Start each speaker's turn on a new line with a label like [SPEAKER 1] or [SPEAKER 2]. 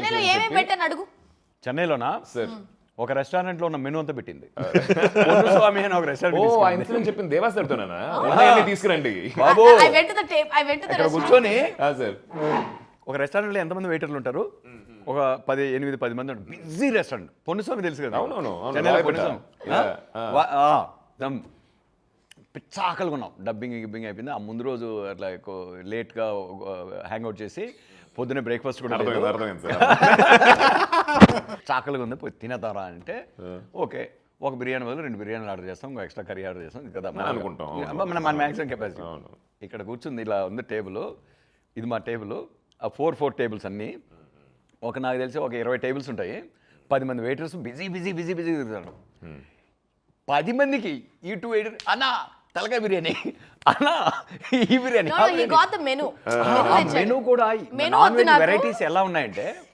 [SPEAKER 1] చెన్నైలో ఏమేమి పెట్టాను అడుగు.
[SPEAKER 2] చెన్నైలోనా
[SPEAKER 3] సార్
[SPEAKER 2] ఒక రెస్టారెంట్ లో ఉన్న మెనూ అంతా పెట్టింది. స్వామి అని ఒక
[SPEAKER 3] ఓ
[SPEAKER 2] రెస్టారెంట్
[SPEAKER 3] ఆ ఇన్సిడెంట్ చెప్పింది దేవాస్తాడుతోనా తీసుకురండి
[SPEAKER 2] బాబు
[SPEAKER 1] I went to the tape. I went to the
[SPEAKER 2] ఇక్కడ
[SPEAKER 1] restaurant.
[SPEAKER 2] కూర్చొని
[SPEAKER 3] సార్
[SPEAKER 2] ఒక రెస్టారెంట్ లో ఎంతమంది వెయిటర్లు ఉంటారు? ఒక 8-10 మంది ఉంటారు. Busy restaurant. పొన్నుస్వామి తెలుసు కదా?
[SPEAKER 3] అవునవును, అవును.
[SPEAKER 2] చెన్నైలో
[SPEAKER 3] రాయపేట.
[SPEAKER 2] పొన్నుస్వామి. పిచ్చ ఆకలిగా ఉన్నాం. గిబ్బింగ్ అయిపోయింది. ఆ ముందు రోజు అట్లా లేట్గా హ్యాంగ్ అవుట్ చేసి పొద్దున్నే బ్రేక్ఫాస్ట్ కూడా లేదు.
[SPEAKER 3] అర్థమైంది సార్.
[SPEAKER 2] చాకలిగా ఉంది, పోయి తినేతారా అంటే ఓకే ఒక బిర్యానీ బదులు 2 బిర్యానీలు ఆర్డర్ చేస్తాం, ఇంకో ఎక్స్ట్రా కర్రీ ఆర్డర్ చేస్తాం కదా
[SPEAKER 3] అనుకుంటాం.
[SPEAKER 2] మన మ్యాక్సిమం కెపాసిటీ. ఇక్కడ కూర్చుంది ఇలా ఉంది టేబుల్. ఇది మా టేబుల్. ఆ 4 టేబుల్స్ అన్నీ ఒక నాకు తెలిసి ఒక 20 టేబుల్స్ ఉంటాయి. 10 మంది వెయిటర్స్ బిజీ తిరుగుతారు. 10 మందికి ఈ 2 వెయిటర్ అన్నా తలకాయ బిర్యానీ, అన్నా ఈ biryani.
[SPEAKER 1] No, he got the menu. Menu తెచ్చాడు.
[SPEAKER 2] మెనూ కూడా
[SPEAKER 1] Menu
[SPEAKER 2] నాన్
[SPEAKER 1] వద్దు
[SPEAKER 2] వెజ్
[SPEAKER 1] నాకు.
[SPEAKER 2] వెరైటీస్ ఎలా ఉన్నాయంటే